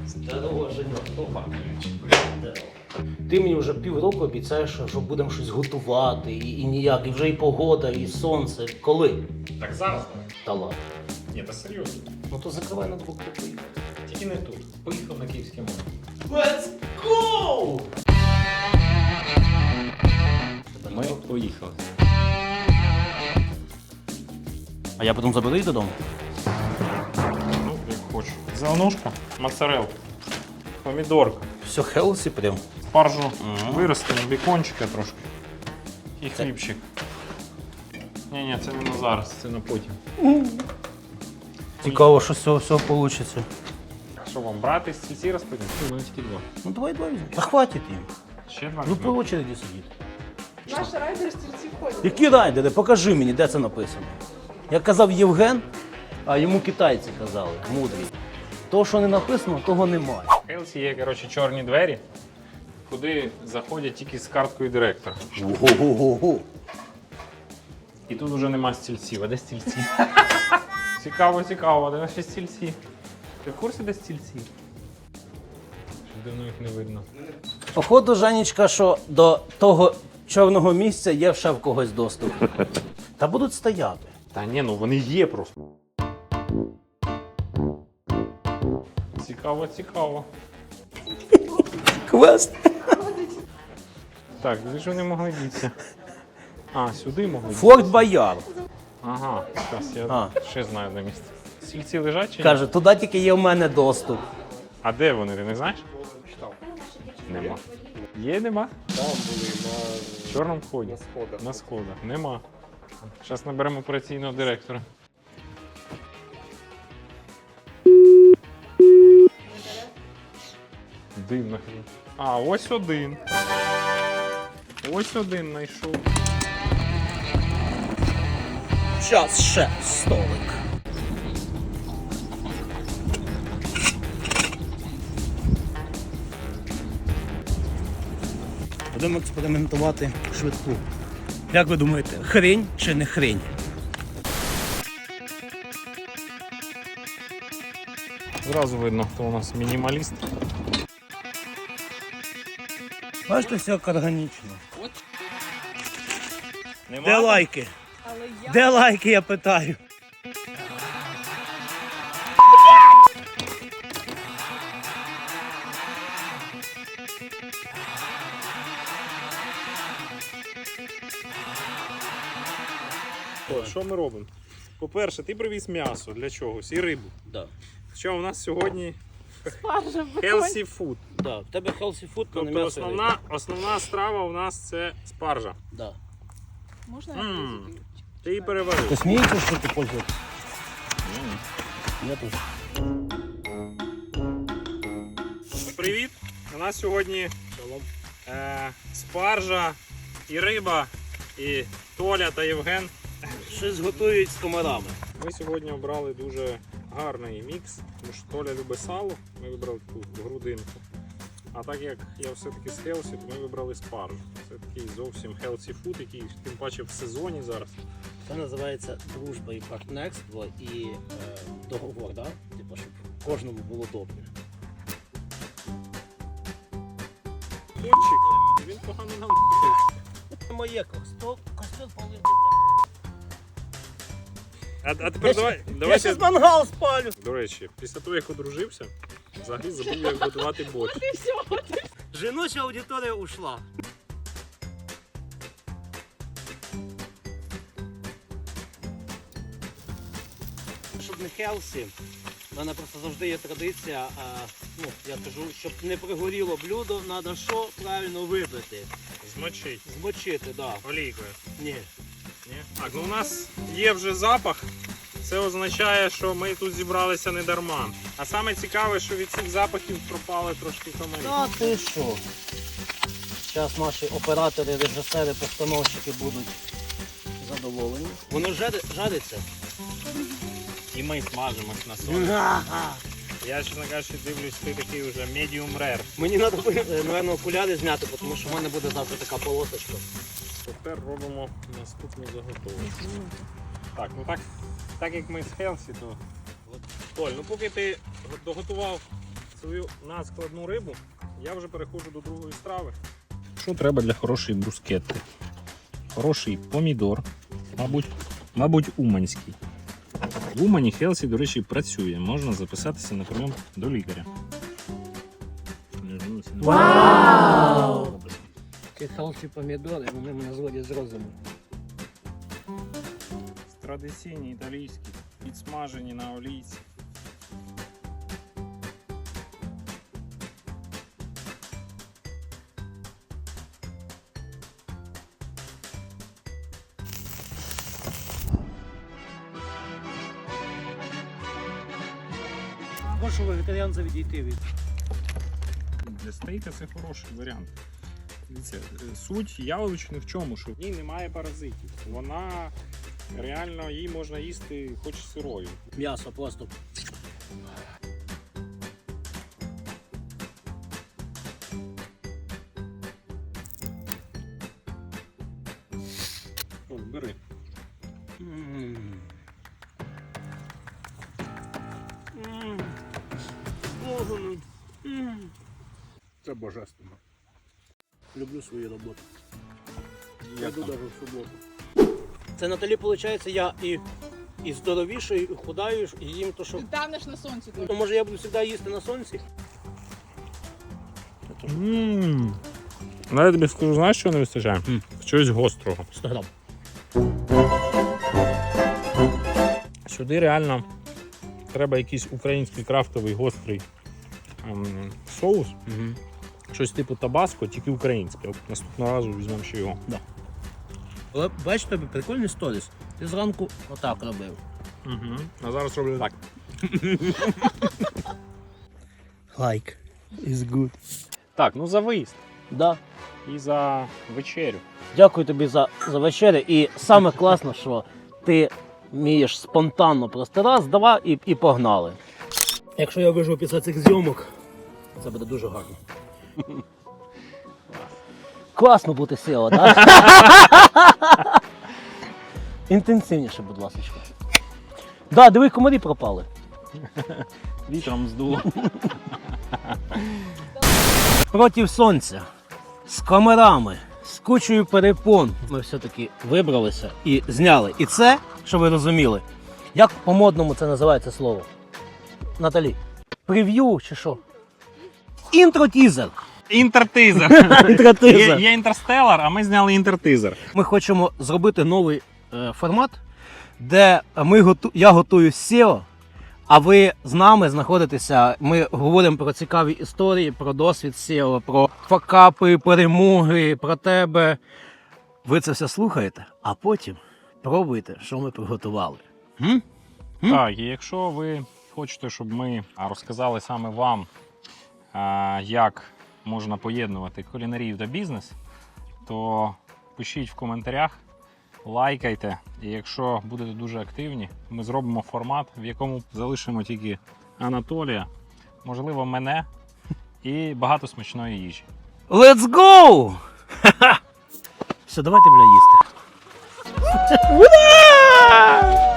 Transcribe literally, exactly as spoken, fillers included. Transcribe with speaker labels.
Speaker 1: Здорово, Женя. Ти мені вже півроку обіцяєш, що будемо щось готувати, і, і ніяк, і вже і погода, і сонце. Коли?
Speaker 2: Так зараз?
Speaker 1: Та ладно.
Speaker 2: Ні, та серйозно.
Speaker 1: Ну то закривай на двох поїхати.
Speaker 2: Тільки не тут. Поїхав на Київське море.
Speaker 1: Let's go!
Speaker 2: Ми поїхали.
Speaker 1: А я потім заберу їх додому?
Speaker 2: Ну, як хочу. Зеленушка, моцарелка, помідорка,
Speaker 1: Все хелсі прям.
Speaker 2: спаржу
Speaker 1: Мгм.
Speaker 2: виростимо, бікончика трошки. І хлібчик. Ні-ні, це не на зараз, це на потім.
Speaker 1: Цікаво, що з цього всього вийде.
Speaker 2: Що вам, брати з ці розподіл? У мене тільки два.
Speaker 1: Ну давай два візьмемо. Та хватить їм.
Speaker 2: Ще два?
Speaker 1: Ну
Speaker 2: візьмемо?
Speaker 1: по очереді сидіти.
Speaker 3: Наш райдер стільці входить.
Speaker 1: Які райдери? Покажи мені, де це написано. Як казав Євген, а йому китайці казали, мудрі. То, що не написано, того немає.
Speaker 2: В Хелсі є, коротше, чорні двері, куди заходять тільки з карткою директора.
Speaker 1: Ого-го-го.
Speaker 2: І тут вже нема стільців. А де стільці? Цікаво, цікаво, де наші стільці? Ти в курсі, де стільці? Щось давно їх не видно.
Speaker 1: Походу, Жанечка, що до того чорного місця є ще в когось доступ. Та будуть стояти.
Speaker 2: Та ні, ну вони є просто. Цікаво, цікаво.
Speaker 1: Квест.
Speaker 2: Так, де ж вони могли дітися? А, сюди могли дітися?
Speaker 1: Форт Бояр.
Speaker 2: Ага, зараз я
Speaker 1: А.
Speaker 2: ще знаю де місце. Стільці лежать чи ні?
Speaker 1: Каже, туди тільки є в мене доступ.
Speaker 2: А де вони, ти не знаєш? Нема. Є, нема?
Speaker 4: Там були на,
Speaker 2: В чорному вході.
Speaker 4: на сходах.
Speaker 2: На сходах. Нема. Зараз наберемо операційного директора. Дивно. А, ось один. Ось один знайшов.
Speaker 1: Час ще столик. Будемо експериментувати швидку. Як ви думаєте, хрінь чи не хрінь?
Speaker 2: Зразу видно, хто у нас мінімаліст.
Speaker 1: Бачите, все як органічно.
Speaker 2: Нема?
Speaker 1: Де лайки?
Speaker 3: Але я
Speaker 1: Де лайки, я питаю?
Speaker 2: Що ми робимо? По-перше, ти привіз м'ясо для чогось і рибу.
Speaker 1: Да.
Speaker 2: Що у нас сьогодні
Speaker 3: спаржа
Speaker 2: healthy food.
Speaker 1: Да. В тебе healthy food, то не
Speaker 2: Тобто
Speaker 1: м'ясо.
Speaker 2: основна, основна страва у нас це спаржа.
Speaker 1: Да.
Speaker 3: Можна
Speaker 2: М.
Speaker 3: я
Speaker 2: Ти її переварив.
Speaker 1: Ти смієшся, що ти пользуєшся? Я тут.
Speaker 2: Привіт! У нас сьогодні е, спаржа і риба, і Толя та Євген.
Speaker 1: Щось готують з комарами.
Speaker 2: Ми сьогодні обрали дуже гарний мікс, тому що Толя любить сало, ми вибрали таку грудинку. А так як я все-таки з хелсі, то ми вибрали спаржу. Це такий зовсім healthy food, який тим паче в сезоні зараз.
Speaker 1: Це називається дружба і партнерство і е, договор, да? Типу, щоб кожному було добре.
Speaker 2: Кончик, він погано нам ходить.
Speaker 1: Моє костюм, костюм полив.
Speaker 2: А, а тепер давай,
Speaker 1: Я
Speaker 2: давайте.
Speaker 1: щас мангал спалю.
Speaker 2: До речі, після того, як одружився, взагалі забув, як готувати борщ.
Speaker 1: Жіноча аудиторія ушла. Щоб не хелсі, в мене просто завжди є традиція, а, ну, я кажу, щоб не пригоріло блюдо, треба що правильно вибити.
Speaker 2: Змочить
Speaker 1: Змочити, так. Да.
Speaker 2: олійкою.
Speaker 1: Ні.
Speaker 2: Ні? Так, ну у нас є вже запах. Це означає, що ми тут зібралися не дарма. А саме цікаве, що від цих запахів пропали трошки комарі.
Speaker 1: Та ти що? Зараз наші оператори, режисери, постановщики будуть задоволені. Воно жари- жариться?
Speaker 2: І ми смажимось на солі.
Speaker 1: Ага.
Speaker 2: Я, чесно кажучи, дивлюсь, ти такий вже medium rare.
Speaker 1: Мені треба, напевно, окуляри зняти, тому що в мене буде завтра така полосочка.
Speaker 2: Тепер робимо наступну заготовку. Так, ну так, так як ми з Хелсі, то... Толь, ну поки ти доготував свою надскладну рибу, я вже переходжу до другої страви. Що треба для хорошої брускетти? Хороший помідор, мабуть, мабуть, уманський. В Умані Хелсі, до речі, працює. Можна записатися на прийом до лікаря.
Speaker 4: Вау! Ці хелсі помідори, вони мене зводять з розуму.
Speaker 2: Традиційні італійські, підсмажені на олійці.
Speaker 1: Прошу вегетаріанця відійти від.
Speaker 2: Для стейка це хороший варіант. Дивіться, суть яловичини в чому? Що в ній немає паразитів. Вона реально її можна їсти хоч сирою.
Speaker 1: М'ясо просто.
Speaker 2: О, бери.
Speaker 1: М. М. Ого, ну. М.
Speaker 5: Це божественно.
Speaker 1: Люблю свою роботу.
Speaker 2: Як
Speaker 1: Йду
Speaker 2: там?
Speaker 1: навіть в суботу. Це Наталі, виходить, я і, і здоровіший, і худаю, і їм то, що.
Speaker 3: Ти танеш на сонці.
Speaker 1: Ну, може я буду завжди їсти на сонці?
Speaker 2: Ммм. Ну, я тобі скажу, знаєш, що не вистачає?
Speaker 1: М.
Speaker 2: Чогось гострого.
Speaker 1: сто грам.
Speaker 2: Сюди реально треба якийсь український крафтовий гострий ем, соус.
Speaker 1: Угу.
Speaker 2: Щось типу табаско, тільки українське. От наступного разу візьмемо ще його.
Speaker 1: Але бач, тобі прикольний сторіс. Ти зранку отак робив.
Speaker 2: Угу. А зараз роблю так.
Speaker 1: Like is good.
Speaker 2: Так, ну за виїзд
Speaker 1: Да.
Speaker 2: і за вечерю.
Speaker 1: Дякую тобі за, за вечерю. І саме класно, що ти вмієш спонтанно просто раз, два і, і погнали. Якщо я виживу після цих зйомок, це буде дуже гарно. Класно бути сіло, так? Інтенсивніше, будь ласка. Да, диви, комарі пропали.
Speaker 2: Вітром здуло.
Speaker 1: Проти сонця, з комарами, з кучою перепон ми все-таки вибралися і зняли. І це, що ви розуміли, як по-модному це називається слово? Наталі, прев'ю чи що? Інтро-тізер.
Speaker 2: Інтертизер.
Speaker 1: Інтро-тізер.
Speaker 2: Є інтерстелар, а ми зняли інтертизер.
Speaker 1: Ми хочемо зробити новий е, формат, де ми готу... я готую сео, а ви з нами знаходитеся. Ми говоримо про цікаві історії, про досвід сео, про факапи, перемоги, про тебе. Ви це все слухаєте, а потім пробуйте, що ми приготували. М? М?
Speaker 2: Так, і якщо ви хочете, щоб ми розказали саме вам, а, як можна поєднувати кулінарію та бізнес, то пишіть в коментарях, лайкайте. І якщо будете дуже активні, ми зробимо формат, в якому залишимо тільки Анатолія, можливо, мене і багато смачної їжі.
Speaker 1: Let's go! Все, давайте, бля, їсти. Ура!